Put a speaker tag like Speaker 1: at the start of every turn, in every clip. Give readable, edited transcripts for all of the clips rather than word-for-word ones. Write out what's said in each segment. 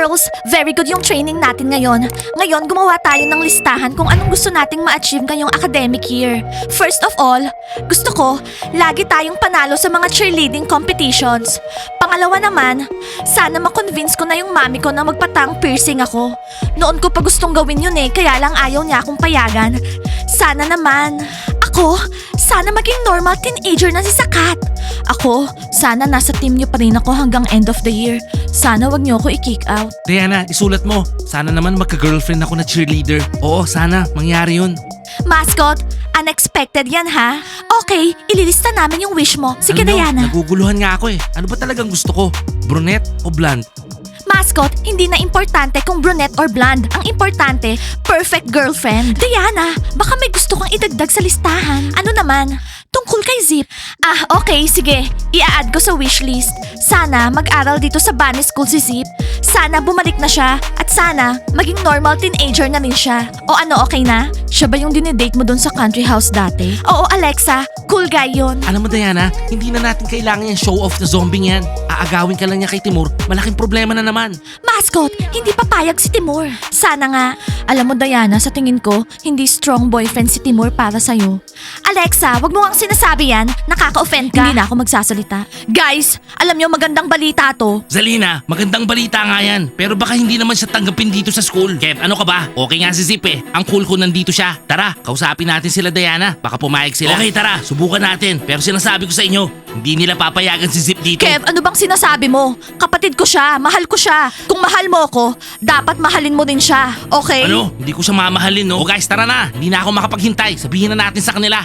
Speaker 1: Girls, very good yung training natin ngayon. Ngayon, gumawa tayo ng listahan kung anong gusto nating ma-achieve ngayong academic year. First of all, gusto ko, lagi tayong panalo sa mga cheerleading competitions. Pangalawa naman, sana ma-convince ko na yung mami ko na magpatang piercing ako. Noon ko pa gustong gawin yun kaya lang ayaw niya akong payagan. Sana naman, sana maging normal teenager na si Sakat. Ako, sana nasa team niyo pa rin ako hanggang end of the year. Sana wag niyo ako i-kick out.
Speaker 2: Diana, isulat mo. Sana naman magka-girlfriend ako na cheerleader. Oo, sana. Mangyari yun.
Speaker 1: Mascot, unexpected yan ha? Okay, ililista namin yung wish mo. Sige, Diana.
Speaker 2: Naguguluhan nga ako Ano ba talagang gusto ko? Brunette o blonde?
Speaker 1: Mascot, hindi na importante kung brunette or blonde. Ang importante, perfect girlfriend. Diana, baka may gusto kang idagdag sa listahan. Ano naman? Tungkol kay Zip. Okay, sige. Ia-add ko sa wishlist. Sana mag-aral dito sa Bunny School si Zip. Sana bumalik na siya. At sana maging normal teenager na rin siya. O ano, okay na? Siya ba yung dinedate mo dun sa country house dati? Oo, Alexa. Cool guy yun.
Speaker 2: Alam mo Diana, hindi na natin kailangan yung show off na zombie yan. Aagawin ka lang niya kay Timur, malaking problema na naman.
Speaker 1: Mascot, hindi papayag si Timur. Sana nga. Alam mo Diana, sa tingin ko, hindi strong boyfriend si Timur para sa'yo. Alexa, wag mo ang sinasabi yan. Nakaka-offend ka. Hindi na ako magsasalita. Guys, alam niyo magandang balita to.
Speaker 2: Zalina, magandang balita nga yan. Pero baka hindi naman siya tanggapin dito sa school. Kev, ano ka ba? Okay nga si Zip Ang cool ko nandito siya. Tara, kausapin natin sila Diana. Baka pumayag sila. Okay, tara, subukan natin. Pero sinasabi ko sa inyo, hindi nila papayagan si Zip dito.
Speaker 1: Kev, ano bang sinasabi mo? Kapatid ko siya, mahal ko siya. Kung mahal mo ako, dapat mahalin mo din siya. Okay?
Speaker 2: Ano? Hindi ko siya mamahalin, no? O guys, tara na. Hindi na ako makapaghintay. Sabihin na natin sa kanila.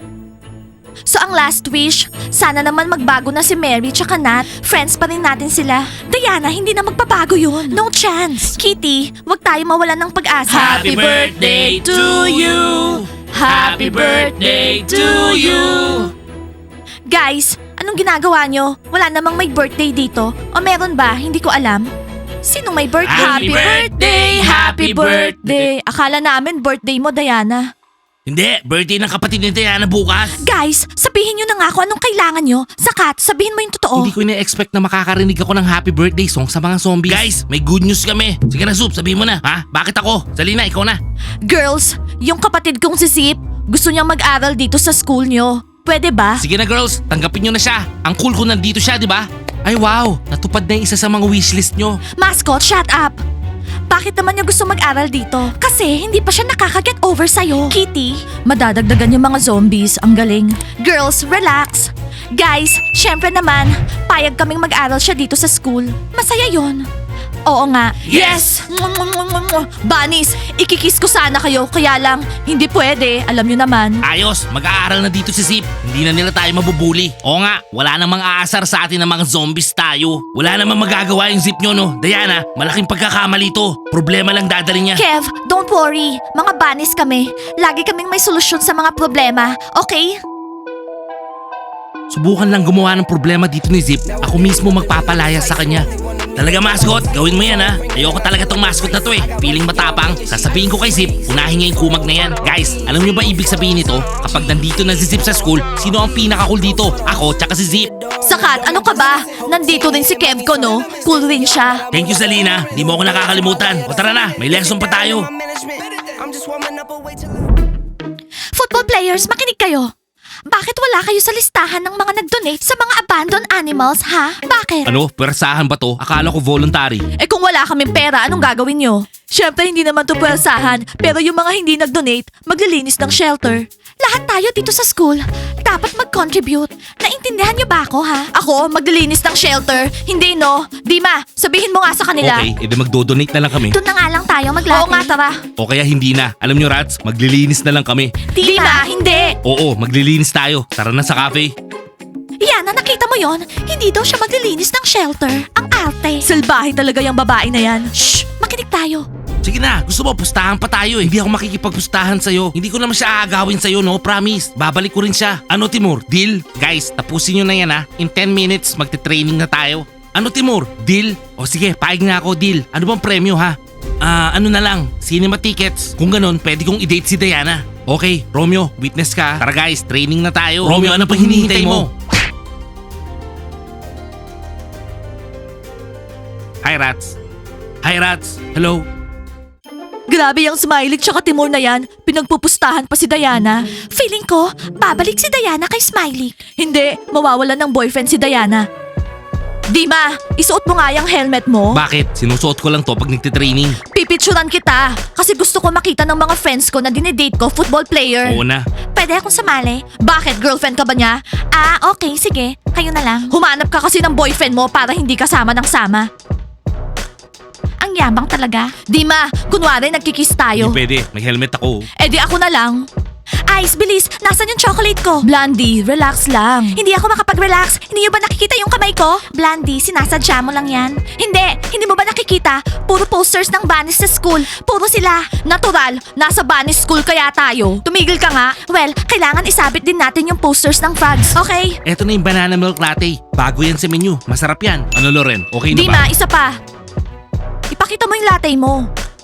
Speaker 1: So ang last wish, sana naman magbago na si Mary tsaka Nat. Friends pa rin natin sila. Diana, hindi na magbabago yun. No chance. Kitty, wag tayo mawalan ng pag-asa.
Speaker 2: Happy birthday to you. Happy birthday to you.
Speaker 1: Guys, anong ginagawa nyo? Wala namang may birthday dito. O meron ba? Hindi ko alam. Sinong may birthday?
Speaker 2: Happy birthday! Happy birthday!
Speaker 1: Akala namin birthday mo, Diana.
Speaker 2: Hindi, birthday ng kapatid ni Diana bukas.
Speaker 1: Guys, sabihin nyo na nga kung anong kailangan nyo. Sakat, sabihin mo yung totoo.
Speaker 2: Hindi ko ina-expect na makakarinig ako ng happy birthday song sa mga zombies. Guys, may good news kami. Sige na, Soup, sabihin mo na. Ha? Bakit ako? Zalina, ikaw na.
Speaker 1: Girls, yung kapatid kong si Zip, gusto niyang mag-aral dito sa school nyo. Pwede ba?
Speaker 2: Sige na girls, tanggapin nyo na siya. Ang cool ko nandito siya, di ba? Ay wow, natupad na yung isa sa mga wishlist nyo.
Speaker 1: Mascot, shut up! Bakit naman niya gusto mag-aral dito? Kasi hindi pa siya nakaka-get over sa'yo. Kitty, madadagdagan yung mga zombies. Ang galing. Girls, relax. Guys, syempre naman, payag kaming mag-aral siya dito sa school. Masaya yon. Oo nga.
Speaker 2: Yes!
Speaker 1: Bunnies, ikikiss ko sana kayo, kaya lang, hindi pwede. Alam niyo naman.
Speaker 2: Ayos, mag-aaral na dito si Zip. Hindi na nila tayo mabubuli. Oo nga, wala namang aasar sa atin ng mga zombies tayo. Wala namang magagawa yung Zip nyo, no? Diana, malaking pagkakamali to. Problema lang dadali niya.
Speaker 1: Kev, don't worry. Mga bunnies kami. Lagi kaming may solusyon sa mga problema. Okay?
Speaker 2: Subukan lang gumawa ng problema dito ni Zip. Ako mismo magpapalaya sa kanya. Talaga mascot, gawin mo yan ha. Ayoko talaga tong mascot na to Feeling matapang. Sasabihin ko kay Zip, unahin niya yung kumag na yan. Guys, alam niyo ba ibig sabihin nito? Kapag nandito na si Zip sa school, sino ang pinaka-cool dito? Ako, tsaka si Zip.
Speaker 1: Sakat, ano ka ba? Nandito din si Kev ko, no? Cool rin siya.
Speaker 2: Thank you Zalina, di mo ako nakakalimutan. O tara na, may lesson pa tayo.
Speaker 1: Football players, makinig kayo. Bakit wala kayo sa listahan ng mga nag-donate sa mga abandoned animals, ha? Bakit?
Speaker 2: Ano? Pwersahan ba to? Akala ko voluntary.
Speaker 1: Kung wala kaming pera, anong gagawin nyo? Siyempre, hindi naman to pwersahan. Pero yung mga hindi nag-donate, maglilinis ng shelter. Lahat tayo dito sa school, dapat mag-contribute. Naintindihan nyo ba ako, ha? Ako, maglilinis ng shelter. Hindi, no? Dima, sabihin mo nga sa kanila.
Speaker 2: Okay, edi magdo-donate na lang kami.
Speaker 1: Doon na nga lang tayo maglati. Oo nga, tara.
Speaker 2: O kaya hindi na. Alam nyo Rats, maglilinis na lang kami.
Speaker 1: Dima, hindi.
Speaker 2: Oo, maglilinis tayo. Tara na sa cafe.
Speaker 1: Yana, nakita mo yon? Hindi daw siya maglilinis ng shelter. Ang arte. Salbahe talaga yung babae na yan. Shh! Makinig tayo.
Speaker 2: Sige na, gusto mo pustahan pa tayo Hindi ako makikipagpustahan sa'yo. Hindi ko naman siya aagawin sa'yo, no? Promise. Babalik ko rin siya. Ano Timur? Deal? Guys, tapusin nyo na yan ha. In 10 minutes, magte-training na tayo. Ano Timur? Deal? O sige, paig nga ako, deal. Ano bang premyo ha? Ano na lang, cinema tickets. Kung ganun, pwede kong i-date si Diana. Okay, Romeo, witness ka. Tara guys, training na tayo. Romeo, ano pang hinihintay mo? Hi Rats. Hi, Rats. Hello.
Speaker 1: Grabe yung Smiley tsaka Timur na yan. Pinagpupustahan pa si Diana. Feeling ko, babalik si Diana kay Smiley. Hindi, mawawalan ng boyfriend si Diana. Dima, isuot mo nga yung helmet mo.
Speaker 2: Bakit? Sinusuot ko lang to pag nagtitraining.
Speaker 1: Pipicturan kita kasi gusto ko makita ng mga friends ko na dinedate ko football player.
Speaker 2: Oo na.
Speaker 1: Pwede akong sumali? Bakit? Girlfriend ka ba niya? Ah, okay, sige. Kayo na lang. Humanap ka kasi ng boyfriend mo para hindi ka sama ng sama. Ang yabang talaga. Dima, kunwari nagkikiss tayo.
Speaker 2: Hindi pwede. May helmet ako.
Speaker 1: Eh di ako na lang. Ice, bilis! Nasaan yung chocolate ko? Blondie, relax lang. Hindi ako makapag-relax. Hindi nyo ba nakikita yung kamay ko? Blondie, sinasadya mo lang yan. Hindi mo ba nakikita? Puro posters ng bunnies sa school. Puro sila. Natural, nasa bunnies school kaya tayo. Tumigil ka nga. Well, kailangan isabit din natin yung posters ng frogs. Okay?
Speaker 2: Eto na yung banana milk latte. Bago yan sa menu. Masarap yan. Ano, Loren? Okay na ba?
Speaker 1: Dima, isa pa. Ipakita mo yung latte mo.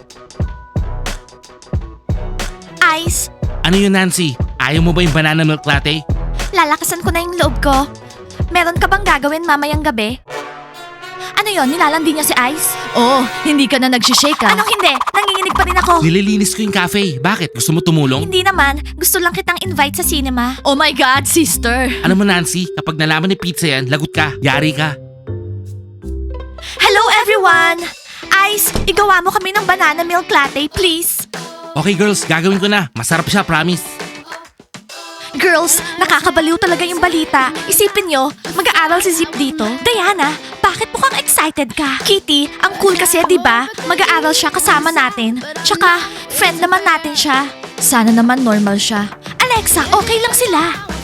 Speaker 1: Ice,
Speaker 2: Ano yun, Nancy? Ayaw mo ba yung banana milk latte?
Speaker 1: lalakasan ko na yung loob ko. Meron ka bang gagawin mamayang gabi? Ano yon? Nilalandi niya si Ice? Oo, hindi ka na nagsishake ah. Anong hindi? Nanginginig pa rin ako.
Speaker 2: Nililinis ko yung cafe. Bakit? Gusto mo tumulong?
Speaker 1: Hindi naman. Gusto lang kitang invite sa cinema. Oh my God, sister.
Speaker 2: Alam mo, Nancy, kapag nalaman ni Pizza yan, lagot ka. Yari ka.
Speaker 1: Hello everyone! Ice, igawa mo kami ng banana milk latte, please.
Speaker 2: Okay, girls, gagawin ko na. Masarap siya, promise.
Speaker 1: Girls, nakakabaliw talaga yung balita. Isipin nyo, mag-aaral si Zip dito. Diana, bakit mukhang excited ka? Kitty, ang cool kasi, di ba? Mag-aaral siya kasama natin. Tsaka, friend naman natin siya. Sana naman normal siya. Alexa, okay lang sila.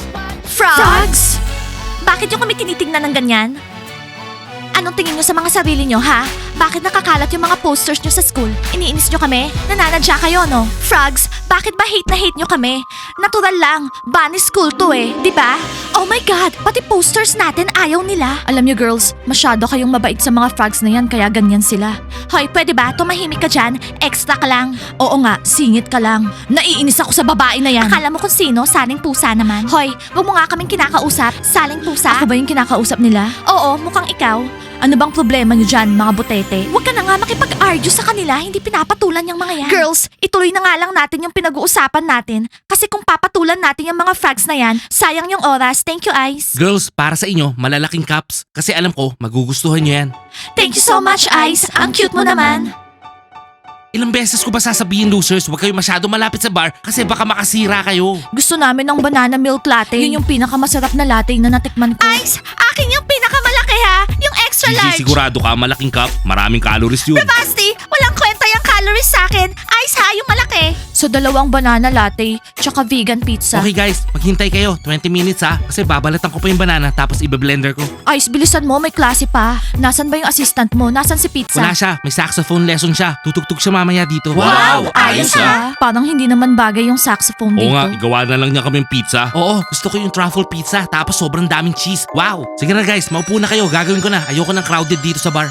Speaker 1: Frogs? Bakit yung kami tinitingnan ng ganyan? Anong tingin nyo sa mga sarili nyo, ha? Bakit nakakalat yung mga posters nyo sa school? Iniinis nyo kami? Nananadya kayo, no? Frogs, bakit ba hate na hate nyo kami? Natural lang, bunny school to eh, di ba? Oh my God, pati posters natin ayaw nila. Alam nyo girls, masyado kayong mabait sa mga frogs na yan kaya ganyan sila. Hoy, pwede ba? Tumahimik ka dyan, extra ka lang. Oo nga, singit ka lang. Naiinis ako sa babae na yan. Akala mo kung sino, saling pusa naman. Hoy, wag mo nga kaming kinakausap, saling pusa. Ako ba yung kinakausap nila? Oo, mukhang ikaw. Ano bang problema nyo dyan, mga butete? Huwag ka na nga makipag-argue sa kanila, hindi pinapatulan yung mga yan. Girls, ituloy na nga lang natin yung pinag-uusapan natin. Kasi kung papatulan natin yung mga frogs na yan, sayang yung oras. Thank you, Ice.
Speaker 2: Girls, para sa inyo, malalaking cups. Kasi alam ko, magugustuhan nyo yan.
Speaker 1: Thank you so much, Ice. Ang cute mo naman.
Speaker 2: Ilang beses ko ba sasabihin, losers, huwag kayo masyado malapit sa bar kasi baka makasira kayo.
Speaker 1: Gusto namin ng banana milk latte. Yun yung pinakamasarap na latte na natikman ko. Ice, akin yung pinakamalaki ha. Yung extra large.
Speaker 2: Sigurado ka, malaking cup, maraming calories yun.
Speaker 1: Basti, walang kwenta yung calories sa akin. Ice ha, yung malaki. So, 2 banana latte, tsaka vegan pizza.
Speaker 2: Okay guys, maghintay kayo, 20 minutes ha, kasi babalatan ko pa yung banana tapos ibe-blender ko.
Speaker 1: Ice, bilisan mo, may klase pa. Nasaan ba yung assistant mo? Nasaan si Pizza?
Speaker 2: Wala siya, may saxophone lesson siya. Tutugtog siya mamaya dito.
Speaker 1: Ayos ah. Parang hindi naman bagay yung saxophone
Speaker 2: Oo
Speaker 1: dito.
Speaker 2: nga, igawa na lang niya kaming pizza. Oo, gusto ko yung truffle pizza tapos sobrang daming cheese. Wow! Sige na guys, maupo na kayo, gagawin ko na. Ayoko ng crowded dito sa bar.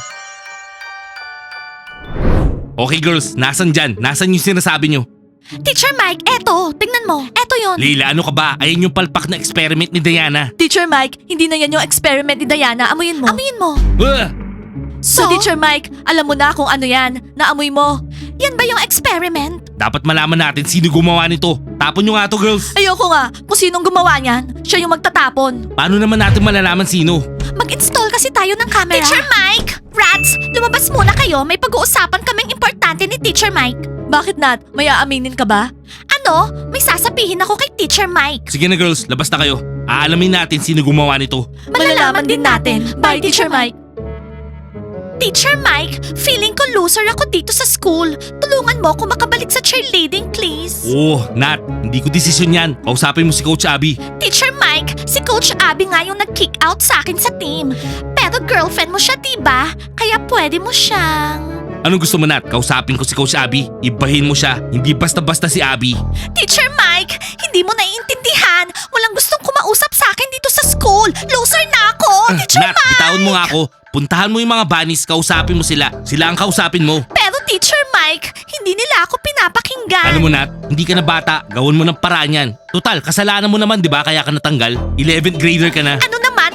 Speaker 2: Okay girls, nasan dyan? Nasan yung sinasabi nyo?
Speaker 1: Teacher Mike, eto, tingnan mo. Eto yun.
Speaker 2: Leila, ano ka ba? Ayan yung palpak na experiment ni Diana.
Speaker 1: Teacher Mike, hindi na yan yung experiment ni Diana. Amuyin mo. Amuyin mo.
Speaker 2: Ugh!
Speaker 1: So, Teacher Mike, alam mo na kung ano yan. Naamoy mo. Yan ba yung experiment?
Speaker 2: Dapat malaman natin sino gumawa nito. Tapon nyo nga to girls.
Speaker 1: Ayoko nga. Kung sinong gumawa niyan, siya yung magtatapon.
Speaker 2: Paano naman natin malalaman sino?
Speaker 1: Mag-install kasi tayo ng camera. Teacher Mike! Rats, lumabas muna kayo. May pag-uusapan kaming importante ni Teacher Mike. Bakit Nat? May aaminin ka ba? Ano? May sasabihin ako kay Teacher Mike.
Speaker 2: Sige na girls, labas na kayo. Aalamin natin sino gumawa nito.
Speaker 1: Malalaman din natin. Bye, Teacher Mike. Teacher Mike, feeling ko loser ako dito sa school. Tulungan mo ako makabalik sa cheerleading, please.
Speaker 2: Oh, Nat, hindi ko desisyon yan. Kausapin mo si Coach Abby.
Speaker 1: Teacher Mike, si Coach Abby nga yung nag-kick out sa akin sa team. Pero girlfriend mo siya, diba? Kaya pwede mo siyang...
Speaker 2: Anong gusto mo, Nat? Kausapin ko si Coach Abby. Ibahin mo siya. Hindi basta-basta si Abby.
Speaker 1: Teacher Mike, hindi mo naiintindihan. Walang gustong kumausap sa akin dito sa school. Loser na ako, Teacher
Speaker 2: Nat,
Speaker 1: Mike.
Speaker 2: bitawan mo nga ako. Puntahan mo yung mga bunnies, kausapin mo sila. Sila ang kausapin mo.
Speaker 1: Pero Teacher Mike, hindi nila ako pinapakinggan.
Speaker 2: Alam mo, Nat, hindi ka na bata. Gawin mo ng paraan yan. Total, kasalanan mo naman, di ba? Kaya ka natanggal. 11th grader ka na.
Speaker 1: Ano naman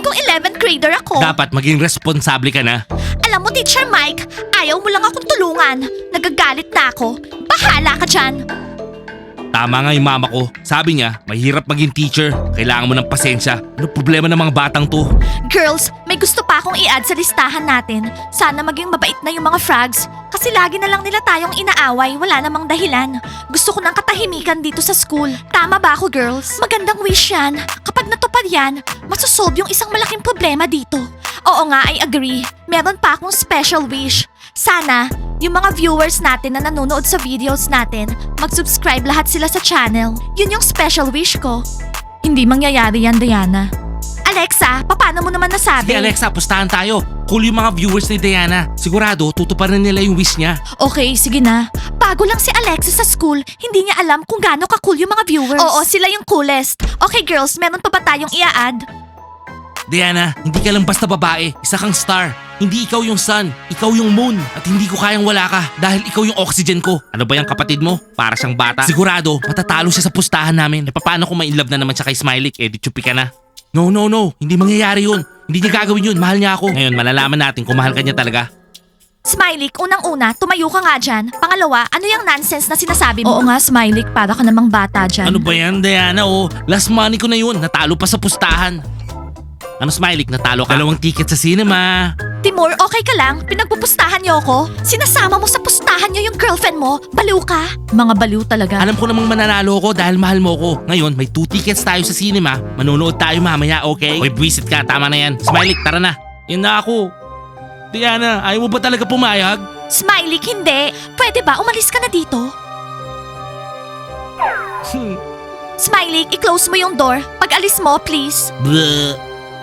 Speaker 1: kong 11th grader ako.
Speaker 2: Dapat maging responsable ka na.
Speaker 1: Alam mo, Teacher Mike, ayaw mo lang akong tulungan. Nagagalit na ako. Bahala ka dyan.
Speaker 2: Tama nga yung mama ko. Sabi niya, mahirap maging teacher. Kailangan mo ng pasensya. Ano problema ng mga batang to?
Speaker 1: Girls, may gusto pa akong i-add sa listahan natin. Sana maging mabait na yung mga frogs. Kasi lagi na lang nila tayong inaaway, wala namang dahilan. Gusto ko ng katahimikan dito sa school. Tama ba ako, girls? Magandang wish yan. Kapag natupad yan, masosolve yung isang malaking problema dito. Oo nga, I agree. Meron pa akong special wish. Sana, yung mga viewers natin na nanonood sa videos natin, mag-subscribe lahat sila sa channel. Yun yung special wish ko. Hindi mangyayari yan, Diana. Alexa, paano mo naman nasabi?
Speaker 2: Sige Alexa, pustahan tayo. Cool yung mga viewers ni Diana. Sigurado, tutuparin nila yung wish niya.
Speaker 1: Okay, sige na. Bago lang si Alexa sa school, hindi niya alam kung gaano ka-cool yung mga viewers. Oo, sila yung coolest. Okay girls, meron pa ba tayong i-add?
Speaker 2: Diana, hindi ka lang basta babae. Isa kang star. Hindi ikaw yung sun, ikaw yung moon. At hindi ko kayang wala ka dahil ikaw yung oxygen ko. Ano ba yung kapatid mo? Para siyang bata. Sigurado, matatalo siya sa pustahan namin. E paano kung ma-inlove na naman siya kay Smiley? Eh di chupi ka na. No, hindi mangyayari yun. Hindi niya gagawin yun, mahal niya ako. Ngayon, malalaman natin kung mahal ka niya talaga.
Speaker 1: Smiley, unang-una, tumayo ka nga dyan. Pangalawa, ano yung nonsense na sinasabi mo? Oo nga, Smiley, para ka namang bata dyan.
Speaker 2: Ano ba yan, Diana? Oh, last money ko na yun. Natalo pa sa pustahan. Ano, Smiley? Natalo ka? 2 ticket sa cinema.
Speaker 1: Timur, okay ka lang? Pinagpupustahan niyo ako? Sinasama mo sa pustahan niyo yung girlfriend mo? Baliw ka? Mga baliw talaga.
Speaker 2: Alam ko namang mananalo ko dahil mahal mo ko. Ngayon, may 2 tickets tayo sa cinema. Manonood tayo mamaya, okay? Oy, buwisit ka. Tama na yan. Smiley, tara na. Yan na ako. Diana, ayaw mo ba talaga pumayag?
Speaker 1: Smiley, hindi. Pwede ba umalis ka na dito? Smiley, i-close mo yung door. Pag alis mo, please.
Speaker 2: Bleh.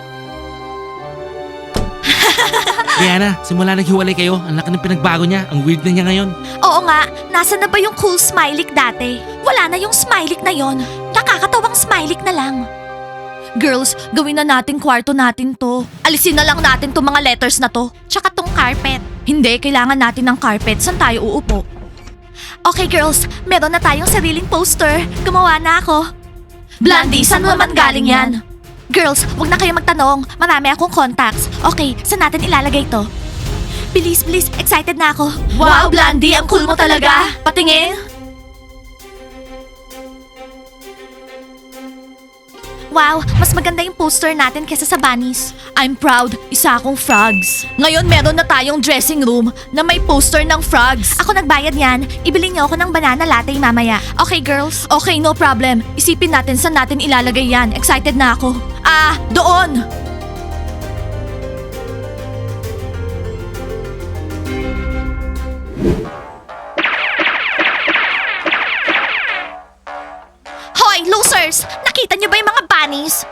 Speaker 2: Diana, simula naghiwalay kayo, ang laki ng pinagbago niya. Ang weird na niya ngayon.
Speaker 1: Oo nga, nasa na ba yung cool Smiley dati? Wala na yung Smiley na yon. Nakakatawang Smiley na lang. Girls, gawin na natin kwarto natin to. Alisin na lang natin tong mga letters na to. Tsaka tong carpet. Hindi, kailangan natin ng carpet. Saan tayo uupo? Okay girls, meron na tayong sariling poster. Gumawa na ako. Blondie, saan naman galing yan? Girls, wag na kayo magtanong. Marami akong contacts. Okay, saan natin ilalagay to? Bilis, excited na ako. Wow, Blondie, ang cool mo talaga. Patingin. Wow, mas maganda yung poster natin kesa sa bunnies. I'm proud, isa akong frogs. Ngayon meron na tayong dressing room na may poster ng frogs. Ako nagbayad yan. Ibili niyo ako ng banana latte mamaya. Okay, girls? Okay, no problem. Isipin natin saan natin ilalagay yan. Excited na ako. Doon! Hoy, losers! Nakita niyo ba yung mga bunnies?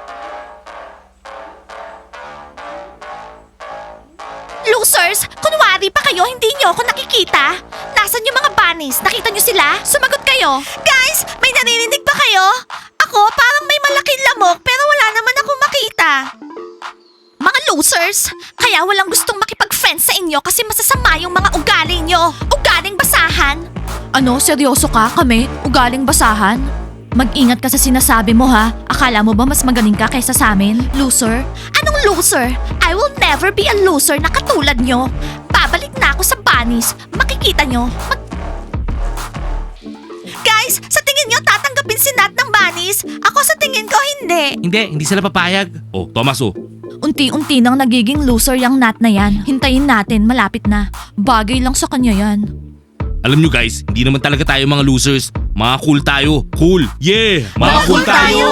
Speaker 1: Losers! Kunwari pa kayo, hindi niyo ako nakikita? Nasaan yung mga bunnies? Nakita niyo sila? Sumagot kayo! Guys, may naririnig ba kayo? Ako, parang may malaking lamok pero wala naman akong makita. Mga losers! Kaya walang gustong makipag-friends sa inyo kasi masasama yung mga ugali niyo. Ugaling basahan. Ano, seryoso ka? Kami? Ugaling basahan? Mag-ingat ka sa sinasabi mo ha. Akala mo ba mas magaling ka kaysa sa amin? Loser? Anong loser? I will never be a loser na katulad nyo. Babalik na ako sa bunnies. Makikita nyo. Guys, sa tingin nyo tatanggapin si Nat ng bunnies? Ako sa tingin ko hindi.
Speaker 2: Hindi sila papayag. Oh, Thomas oh.
Speaker 1: Unti-unti nang nagiging loser yung Nat na yan. Hintayin natin, malapit na. Bagay lang sa kanya yan.
Speaker 2: Alam nyo guys, hindi naman talaga tayo mga losers. Mga cool tayo. Cool! Yeah! Mga cool tayo!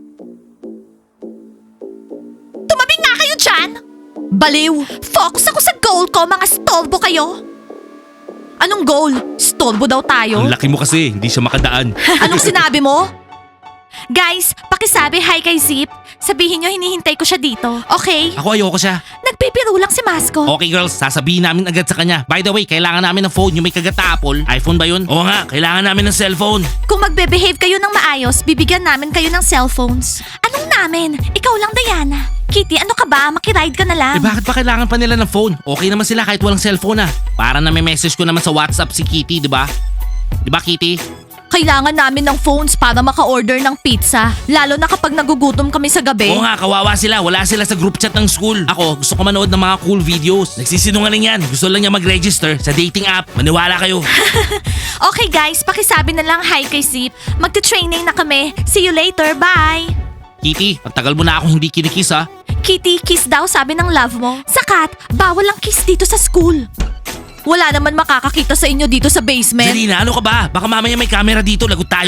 Speaker 1: Tumabi nga kayo dyan! Baliw! Focus ako sa goal ko, mga stolbo kayo! Anong goal? Stolbo daw tayo?
Speaker 2: Ang laki mo kasi, hindi siya makadaan.
Speaker 1: Anong sinabi mo? Guys, pakisabi hi kay Zip. Sabihin nyo hinihintay ko siya dito, okay?
Speaker 2: Ako ayoko siya.
Speaker 1: Nagpipiro lang si Masco.
Speaker 2: Okay girls, sasabihin namin agad sa kanya. By the way, kailangan namin ng phone. Yung may kagat na Apple. iPhone ba yun? Oo nga, kailangan namin ng cellphone.
Speaker 1: Kung magbe-behave kayo ng maayos, bibigyan namin kayo ng cellphones. Anong namin? Ikaw lang, Diana. Kitty, ano ka ba? Makiride ka na lang.
Speaker 2: Eh bakit pa kailangan pa nila ng phone? Okay naman sila kahit walang cellphone ah. Para na may message ko naman sa WhatsApp si Kitty, di ba? Di ba, Kitty?
Speaker 1: Kailangan namin ng phones para maka-order ng pizza. Lalo na kapag nagugutom kami sa gabi.
Speaker 2: Oo nga, kawawa sila. Wala sila sa group chat ng school. Ako, gusto ko manood ng mga cool videos. Nagsisinungaling yan. Gusto lang niya mag-register sa dating app. Maniwala kayo.
Speaker 1: Okay guys, pakisabi na lang hi kay Zip. Magte-training na kami. See you later, bye!
Speaker 2: Kitty, ang tagal mo na ako hindi kinikiss ha.
Speaker 1: Kitty, kiss daw sabi ng love mo. Sakat, bawal ang kiss dito sa school. Wala naman makakakita sa inyo dito sa basement.
Speaker 2: Zarina, ano ka ba? Baka mamaya may camera dito. Lagot tayo.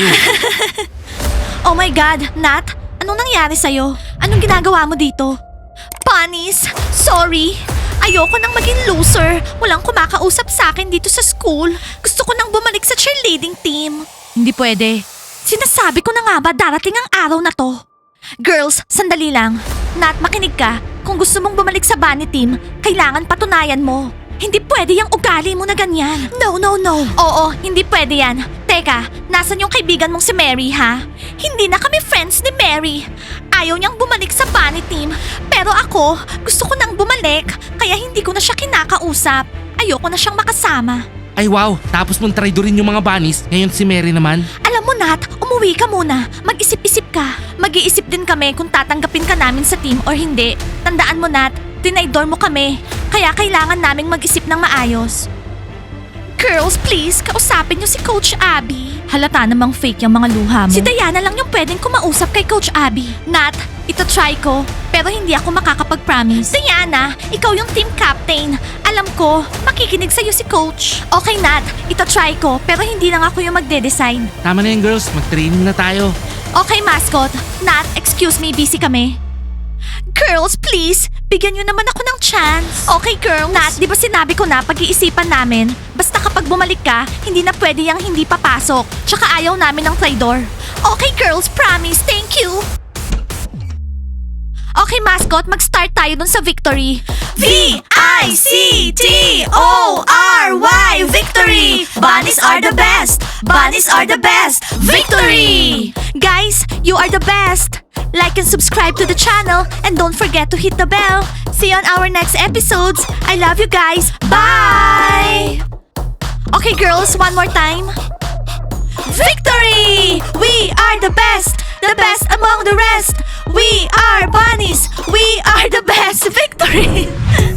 Speaker 1: Oh my God, Nat, anong nangyari sa'yo? Anong ginagawa mo dito? Panis, sorry. Ayoko nang maging loser. Walang kumakausap sa akin dito sa school. Gusto ko nang bumalik sa cheerleading team. Hindi pwede. Sinasabi ko na nga ba darating ang araw na to? Girls, sandali lang. Nat, makinig ka. Kung gusto mong bumalik sa bunny team, kailangan patunayan mo. Hindi pwede yung ugali mo na ganyan. No. Oo, hindi pwede yan. Teka, nasan yung kaibigan mong si Mary, ha? Hindi na kami friends ni Mary. Ayaw niyang bumalik sa bunny team. Pero ako, gusto ko nang bumalik. Kaya hindi ko na siya kinakausap. Ayoko na siyang makasama.
Speaker 2: Ay wow, tapos mong traidorin yung mga bunnies. Ngayon si Mary naman.
Speaker 1: Alam mo, Nat, umuwi ka muna. Mag-isip-isip ka. Mag-iisip din kami kung tatanggapin ka namin sa team or hindi. Tandaan mo, Nat, tinaydor mo kami. Kaya kailangan naming mag-isip ng maayos. Girls, please, kausapin niyo si Coach Abby. Halata namang fake yung mga luha mo. Si Diana lang yung pwedeng kumausap kay Coach Abby. Nat, ito try ko, pero hindi ako makakapag-promise. Diana, ikaw yung team captain. Alam ko, makikinig sa'yo si Coach. Okay, Nat, ito try ko, pero hindi lang ako yung magde-decide.
Speaker 2: Tama na yan girls, mag-training na tayo.
Speaker 1: Okay, mascot. Nat, excuse me, busy kami. Girls, please, bigyan nyo naman ako ng chance. Okay, girls. Nat, di ba sinabi ko na pag-iisipan namin? Basta kapag bumalik ka, hindi na pwede yung hindi papasok. Tsaka ayaw namin ng traitor. Okay, girls, promise. Thank you. Okay, mascot, mag-start tayo dun sa victory. V-I-C-T-O-R-Y, victory! Bunnies are the best! Bunnies are the best! Victory! Guys, you are the best! Like and subscribe to the channel and don't forget to hit the bell. See you on our next episodes. I love you guys. Bye! Okay, girls, one more time. Victory! We are the best! The best among the rest! We are bunnies! We are the best! Victory!